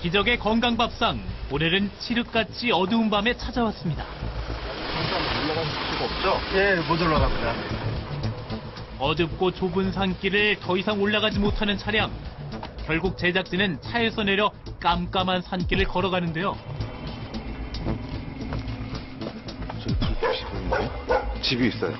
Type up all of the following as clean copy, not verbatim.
기적의 건강밥상, 오늘은 칠흑같이 어두운 밤에 찾아왔습니다. 올라갈 수가 없죠? 예, 못 올라갑니다. 어둡고 좁은 산길을 더 이상 올라가지 못하는 차량. 결국 제작진은 차에서 내려 깜깜한 산길을 걸어가는데요. 저기 불빛이 보이는데? 집이 있어요.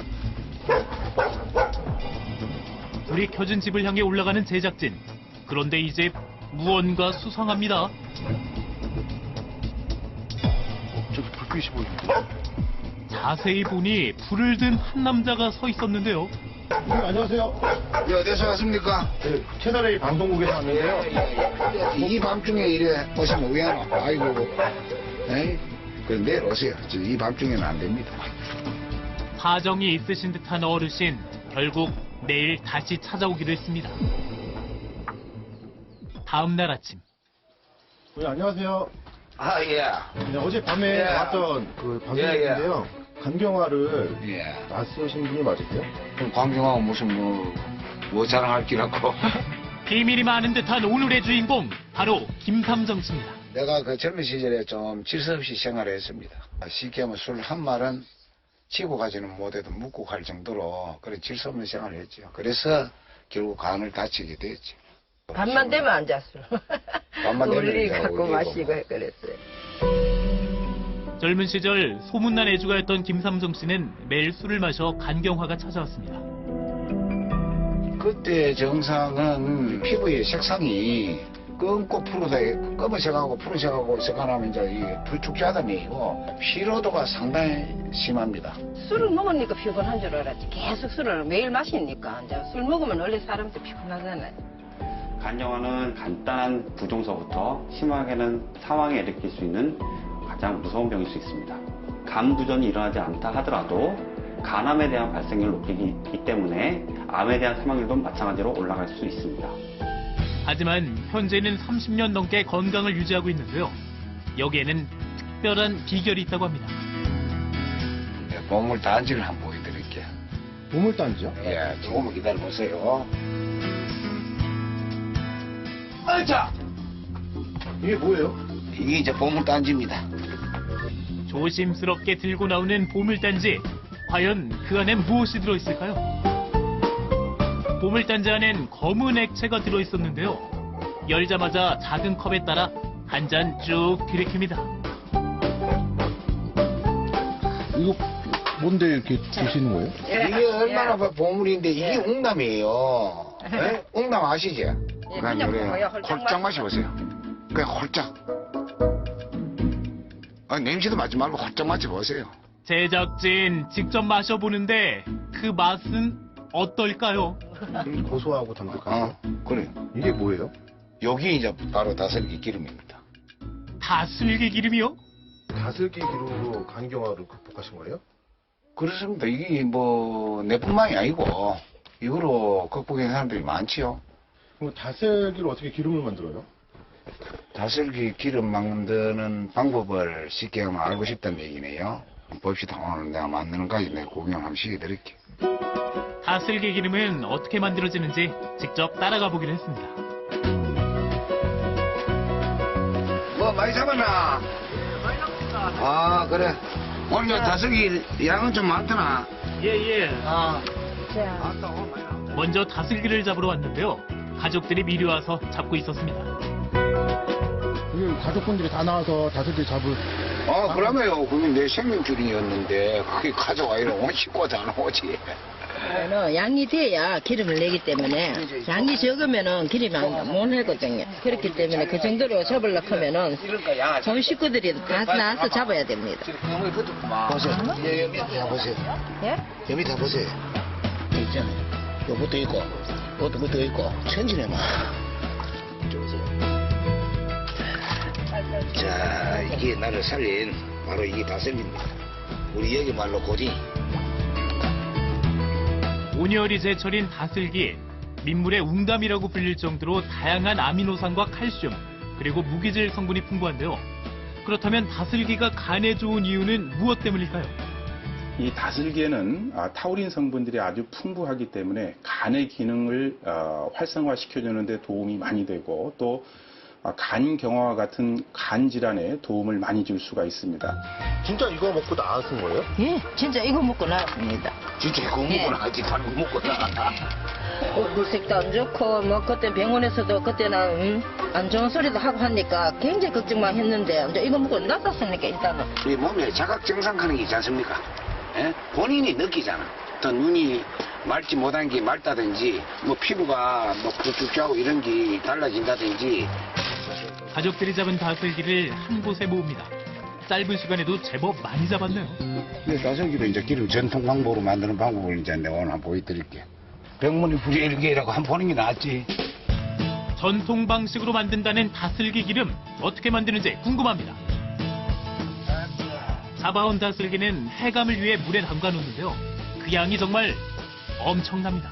불이 켜진 집을 향해 올라가는 제작진. 그런데 이 집 무언가 수상합니다. 저기 불빛이 보이는데? 자세히 보니 불을 든 한 남자가 서 있었는데요. 안녕하세요. 예, 어디서 왔습니까? 네, 채널A 방송국에서 왔는데요. 이 밤중에 이래 오시면 왜 안 와? 아이고. 에이, 그럼 내일 오세요. 이 밤중에는 안 됩니다. 사정이 있으신 듯한 어르신. 결국 내일 다시 찾아오기로 했습니다. 다음 날 아침. 네, 안녕하세요. 아, 예. 네, 어젯밤에 예. 나왔던 그 방송국인데요. 간경화를 예. 낯서신 분이 맞으세요? 그럼 광경하고 무슨 뭐 자랑할 기라고. 비밀이 많은 듯한 오늘의 주인공. 바로 김삼정 씨입니다. 내가 그 젊은 시절에 좀 질서 없이 생활을 했습니다. 쉽게 하면 술 한 말은 치고 가지는 못해도 묵고 갈 정도로 그런 질서 없는 생활을 했죠. 그래서 결국 간을 다치게 됐죠. 밤만 되면 앉았어. 밤만 되면 우리 이제 갖고 어디고 마시고 뭐. 그랬어요. 젊은 시절 소문난 애주가였던 김삼정 씨는 매일 술을 마셔 간경화가 찾아왔습니다. 그때 정상은 피부의 색상이 검고 검은색하고 푸른색하고 색하면 이제 이 불축자담이고 피로도가 상당히 심합니다. 술을 먹으니까 피곤한 줄 알았지. 계속 술을 매일 마시니까 이제 술 먹으면 원래 사람도 피곤하잖아요. 간경화는 간단한 부종서부터 심하게는 사망에 일으킬 수 있는 가장 무서운 병일 수 있습니다. 간 부전이 일어나지 않다 하더라도 간암에 대한 발생률을 높이기 때문에 암에 대한 사망률도 마찬가지로 올라갈 수 있습니다. 하지만 현재는 30년 넘게 건강을 유지하고 있는데요. 여기에는 특별한 비결이 있다고 합니다. 네, 보물 단지를 한번 보여드릴게요. 보물단지요? 예, 조금만 기다려보세요. 자, 이게 뭐예요? 이게 이제 보물 단지입니다. 조심스럽게 들고 나오는 보물단지. 과연 그 안엔 무엇이 들어있을까요? 보물단지 안엔 검은 액체가 들어있었는데요. 열자마자 작은 컵에 따라 한 잔 쭉 들이킵니다. 이거 뭔데 이렇게 주시는 거예요? 이게 얼마나 보물인데 이게 웅남이에요. 예. 네? 웅남 아시죠? 그냥 그냥 요래 먹어요. 홀짝 홀짝 마셔보세요. 그냥 홀짝. 냄새도 맡지 말고 홀짝 마셔보세요. 제작진 직접 마셔보는데 그 맛은 어떨까요? 고소하고 담백하고. 그래. 이게 뭐예요? 여기 이제 바로 다슬기 기름입니다. 다슬기 기름이요? 다슬기 기름으로 간경화를 극복하신 거예요? 그렇습니다. 이게 뭐 내뿐만이 아니고 이거로 극복한 사람들이 많지요. 그럼 다슬기를 어떻게 기름을 만들어요? 다슬기 기름 만드는 방법을 쉽게 하면 알고 싶다는 얘기네요. 봅시다. 오늘 내가 만드는 까지 내가 구경 한번 시켜드릴게요. 다슬기 기름은 어떻게 만들어지는지 직접 따라가 보기로 했습니다. 뭐 많이 잡았나? 아 그래. 오늘 다슬기 양은 좀 많더나. 예예. 아. 자, 먼저 다슬기를 잡으러 왔는데요. 가족들이 미리 와서 잡고 있었습니다. 이게 가족분들이 다 나와서 다슬기 잡을. 아 그러면요. 그게 내 생명줄이었는데 그게 가져와 이러면 씻고 다 나오지. 그러면은 양이 돼야 기름을 내기 때문에 양이 적으면은 기름이 못 내거든요. 그렇기 때문에 그 정도로 잡으려고 하면은 전 식구들이 다 나와서 잡아야 됩니다. 보세요. 여기 밑에 보세요. 예? 여기 밑에 보세요. 있잖아요. 요것도 있고, 요것도 있고, 천지네만. 자, 이게 나를 살린 바로 이게 다슬기입니다. 우리 여기 말로 고딩. 온열이 제철인 다슬기. 민물의 웅담이라고 불릴 정도로 다양한 아미노산과 칼슘, 그리고 무기질 성분이 풍부한데요. 그렇다면 다슬기가 간에 좋은 이유는 무엇 때문일까요? 이 다슬기에는 타우린 성분들이 아주 풍부하기 때문에 간의 기능을 활성화시켜주는 데 도움이 많이 되고 또 간 경화와 같은 간 질환에 도움을 많이 줄 수가 있습니다. 진짜 이거 먹고 나으신 거예요? 예, 진짜 이거 먹고 나왔습니다. 진짜 그거 예. 먹고 나가지 다른 거 먹고 나. 물색도 안 좋고 뭐 그때 병원에서도 그때는 안 좋은 소리도 하고 하니까 굉장히 걱정만 했는데 이제 이거 먹고 나았으니까 일단은 우리 몸에 자각 정상하는 게 있지 않습니까? 예? 본인이 느끼잖아. 또 눈이 맑지 못한 게 맑다든지 뭐 피부가 뭐 부쭉하고 이런 게 달라진다든지. 가족들이 잡은 다슬기를 한 곳에 모읍니다. 짧은 시간에도 제법 많이 잡았네요. 다슬기도 이제 기름 전통 방법으로 만드는 방법을 이제 내가 오늘 한번 보여드릴게. 병문이 불일개라고 한번 보는 게 낫지. 전통 방식으로 만든다는 다슬기 기름 어떻게 만드는지 궁금합니다. 잡아온 다슬기는 해감을 위해 물에 담가 놓는데요. 그 양이 정말 엄청납니다.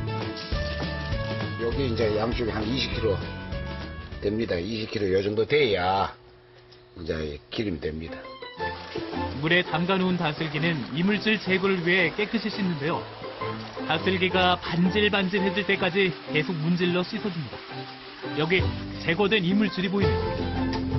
여기 이제 양쪽에 한 20kg 됩니다. 20kg 요 정도 돼야 이제 기름이 됩니다. 물에 담가 놓은 다슬기는 이물질 제거를 위해 깨끗이 씻는데요. 다슬기가 반질반질해질 때까지 계속 문질러 씻어줍니다. 여기 제거된 이물질이 보이네요.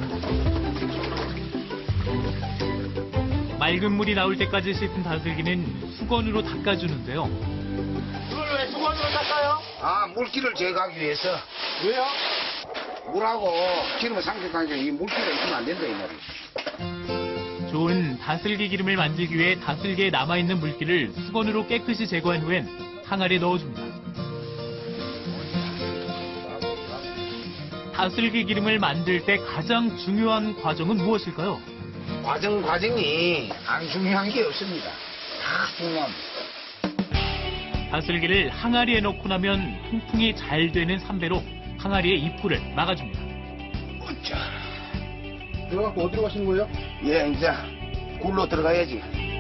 맑은 물이 나올 때까지 씻은 다슬기는 수건으로 닦아주는데요. 이걸 왜 수건으로 닦아요? 아, 물기를 제거하기 위해서. 왜요? 물하고 기름을 상색하니까 이 물기가 있으면 안 된다 이 말이지. 좋은 다슬기 기름을 만들기 위해 다슬기에 남아있는 물기를 수건으로 깨끗이 제거한 후엔 항아리에 넣어줍니다. 다슬기 기름을 만들 때 가장 중요한 과정은 무엇일까요? 과정이 안 중요한 게 없습니다. 다 중요합니다. 다슬기를 항아리에 넣고 나면 통풍이 잘 되는 삼배로 항아리의 입구를 막아줍니다. 어짜. 들어가고 어디로 가시는 거예요? 예, 이제 굴로 들어가야지.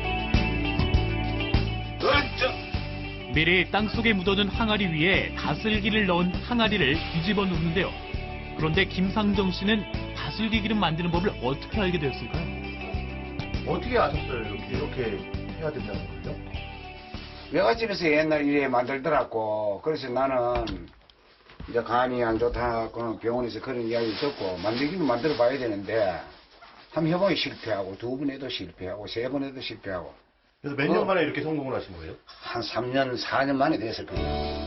어짜. 미리 땅속에 묻어둔 항아리 위에 다슬기를 넣은 항아리를 뒤집어 놓는데요. 그런데 김상정 씨는 다슬기 기름 만드는 법을 어떻게 알게 되었을까요? 어떻게 아셨어요? 이렇게 해야 된다는 거요? 외갓집에서 옛날 이래 만들더라고. 그래서 나는 이제 간이 안 좋다고 병원에서 그런 이야기 듣고 만들기는 만들어 봐야 되는데 한 해보니 실패하고 두 번 해도 실패하고 세 번 해도 실패하고 그래서 몇 년 만에 이렇게 성공을 하신 거예요? 한 3년, 4년 만에 됐을 거예요.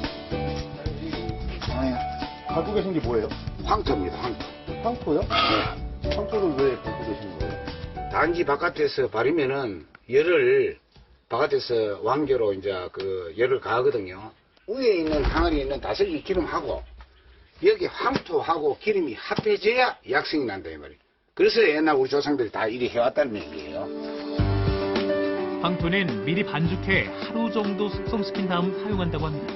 갖고 계신 게 뭐예요? 황토입니다, 황토. 황토요? 네. 황토를 왜 갖고 계신 거예요? 단지 바깥에서 바르면은 열을 바깥에서 왕겨로 이제 그 열을 가하거든요. 위에 있는 항아리에 있는 다슬기 기름하고 여기 황토하고 기름이 합해져야 약성이 난다 이 말이에요. 그래서 옛날 우리 조상들이 다 이리 해왔다는 얘기예요. 황토는 미리 반죽해 하루 정도 숙성시킨 다음 사용한다고 합니다.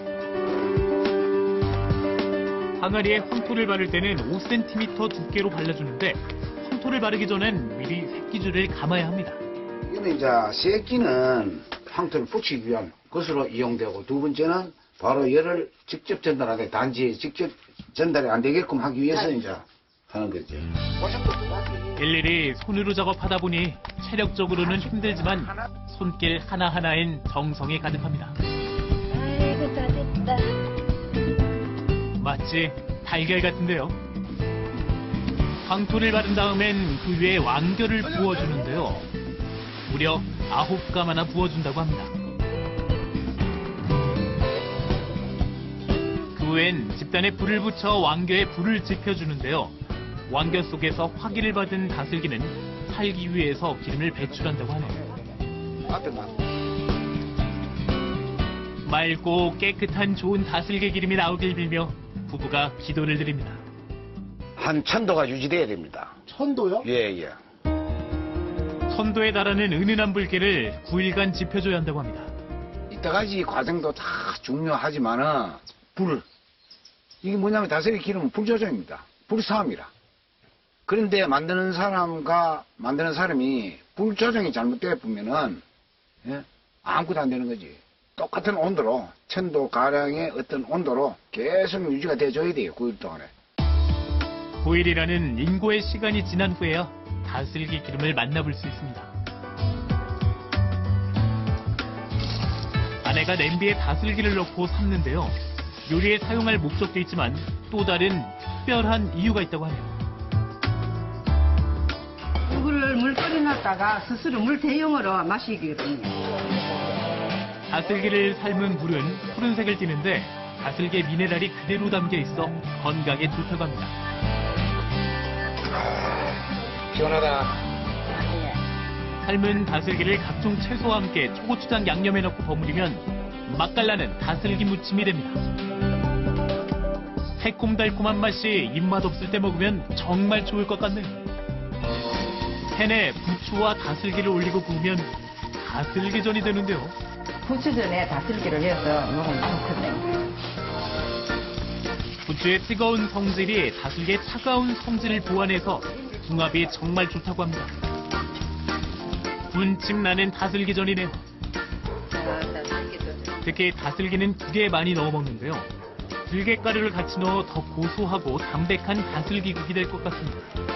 항아리에 황토를 바를 때는 5cm 두께로 발라주는데 황토를 바르기 전엔 미리 새끼줄을 감아야 합니다. 이거는 이제 새끼는 황토를 붙이기 위한 것으로 이용되고 두 번째는 바로 열을 직접 전달하되 단지 직접 전달이 안 되게끔 하기 위해서 이제 하는 거죠. 일일이 손으로 작업하다 보니 체력적으로는 힘들지만 손길 하나하나엔 정성이 가득합니다. 아이고 다 됐다. 마치 달걀 같은데요. 황토를 바른 다음엔 그 위에 왕겨를 부어주는데요. 무려 9가마나 부어준다고 합니다. 그 후엔 집단에 불을 붙여 왕겨에 불을 지펴주는데요. 왕겨 속에서 화기를 받은 다슬기는 살기 위해서 기름을 배출한다고 하네요. 맑고 깨끗한 좋은 다슬기 기름이 나오길 빌며 부부가 기도를 드립니다. 한 1000도가 유지돼야 됩니다. 1000도요? 예, 예. 1000도에 달하는 은은한 불길을 9일간 지펴줘야 한다고 합니다. 이때 가지 과정도 다 중요하지만은 이게 뭐냐면 다슬기 기름은 불 조정입니다. 불사함이라. 그런데 만드는 사람이 불 조정이 잘못되어 보면은 예? 아무것도 안 되는 거지. 똑같은 온도로 1000도 가량의 어떤 온도로 계속 유지가 돼줘야 돼요. 9일 동안에. 9일이라는 인고의 시간이 지난 후에야 다슬기 기름을 만나볼 수 있습니다. 아내가 냄비에 다슬기를 넣고 삶는데요. 요리에 사용할 목적도 있지만 또 다른 특별한 이유가 있다고 하네요. 이거를 물 끓여놨다가 스스로 물 대용으로 마시거든요. 다슬기를 삶은 물은 푸른색을 띠는데 다슬기의 미네랄이 그대로 담겨 있어 건강에 좋다고 합니다. 시원하다. 삶은 다슬기를 각종 채소와 함께 초고추장 양념에 넣고 버무리면 맛깔나는 다슬기 무침이 됩니다. 새콤달콤한 맛이 입맛 없을 때 먹으면 정말 좋을 것 같네요. 팬에 부추와 다슬기를 올리고 구우면 다슬기전이 되는데요. 부추전에 다슬기를 해서 먹으면 좋거든요. 부추의 뜨거운 성질이 다슬기의 차가운 성질을 보완해서 궁합이 정말 좋다고 합니다. 군침 나는 다슬기전이네요. 특히 다슬기는 국에 많이 넣어 먹는데요. 들깨가루를 같이 넣어 더 고소하고 담백한 다슬기국이 될 것 같습니다.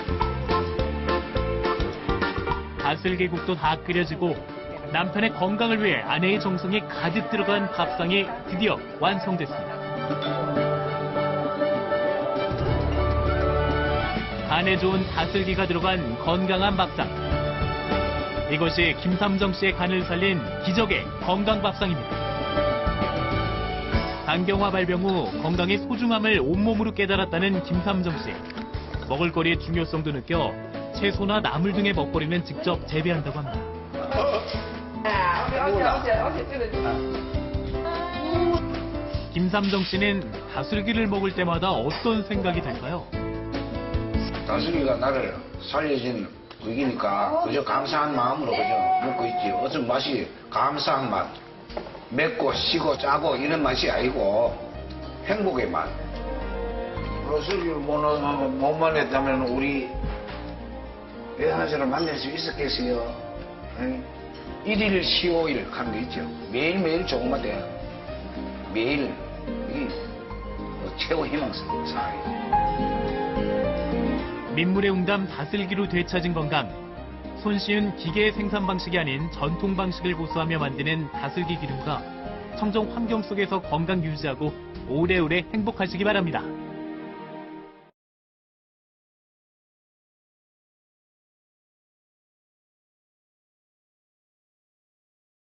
다슬기국도 다 끓여지고 남편의 건강을 위해 아내의 정성이 가득 들어간 밥상이 드디어 완성됐습니다. 간에 좋은 다슬기가 들어간 건강한 밥상. 이것이 김삼정 씨의 간을 살린 기적의 건강밥상입니다. 간경화 발병 후 건강의 소중함을 온몸으로 깨달았다는 김삼정 씨. 먹을거리의 중요성도 느껴 채소나 나물 등의 먹거리는 직접 재배한다고 합니다. 김삼정 씨는 다슬기를 먹을 때마다 어떤 생각이 들까요? 다슬기가 나를 살려준 국이니까 그저 감사한 마음으로 그저 먹고 있지. 어떤 맛이 감사한 맛, 맵고 시고 짜고 이런 맛이 아니고 행복의 맛. 다슬기를 못만 했다면 우리 대단한 사람 만날 수 있었겠어요. 일일 시오일 하는 게 있죠. 매일매일 조금만 돼. 매일 이게 최고 희망사항이죠. 민물의 웅담 다슬기로 되찾은 건강. 손쉬운 기계 생산 방식이 아닌 전통 방식을 고수하며 만드는 다슬기 기름과 청정 환경 속에서 건강 유지하고 오래오래 행복하시기 바랍니다.